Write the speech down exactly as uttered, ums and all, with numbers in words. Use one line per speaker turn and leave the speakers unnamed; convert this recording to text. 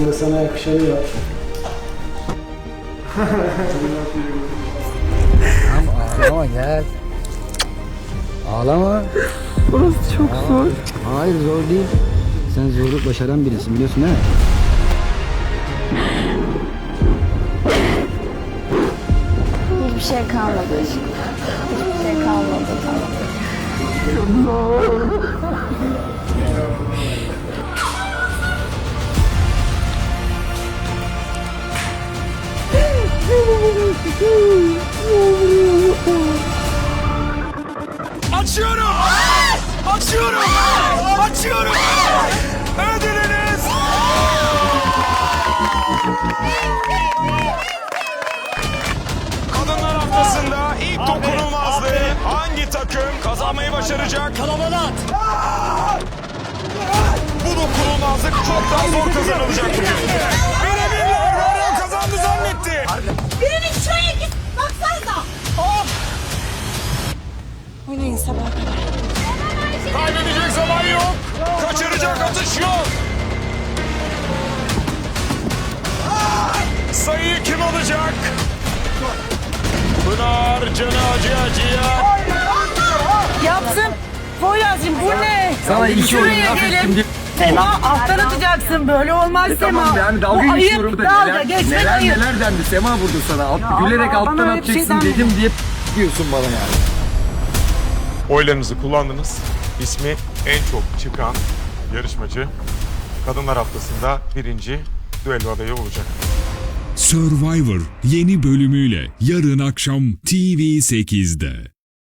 Sen de sana yakışanı yap.
Tamam ağlama gel. Ağlama.
Burası çok
Ağlama.
zor.
Hayır zor değil. Sen zorluk başaran birisin biliyorsun değil mi?
Hiçbir şey kalmadı aşkım. Hiçbir şey kalmadı, tamam.
Açıyorum! Açıyorum! Açıyorum! Ödülünüz! Kadınlar haftasında ilk dokunulmazlığı hangi takım kazanmayı başaracak? Kalabalık! Bu dokunulmazlık çok daha zor kazanılacak bugün. Birebirler Mario kazandı zannetti.
Birinin şuraya git. Baksanıza. Oh. Oynayın sabaha kadar.
Kaybedecek zaman yok. Kaçıracak atış yok. Sayıyı kim alacak? Pınar canı acı acıya.
Yapsın. Poyraz'cığım bu ne?
Sana iki oyun
Şuraya
laf ettim
gelin.
diye.
Sema alttan atacaksın. Böyle olmaz Sema.
Tamam yani dalga
Bu
geçiyorum
ayıp.
da
Dalga
neler,
geçmek
neler,
ayıp.
neler dendi Sema vurdu sana. Alt,
Ya
gülerek
Allah,
alttan
bana öyle bir şey
atacaksın
denmedi.
dedim diye diyorsun bana yani.
Oylarınızı kullandınız. İsmi en çok çıkan yarışmacı Kadınlar Haftası'nda birinci düello adayı olacak.
Survivor yeni bölümüyle yarın akşam T V sekizde.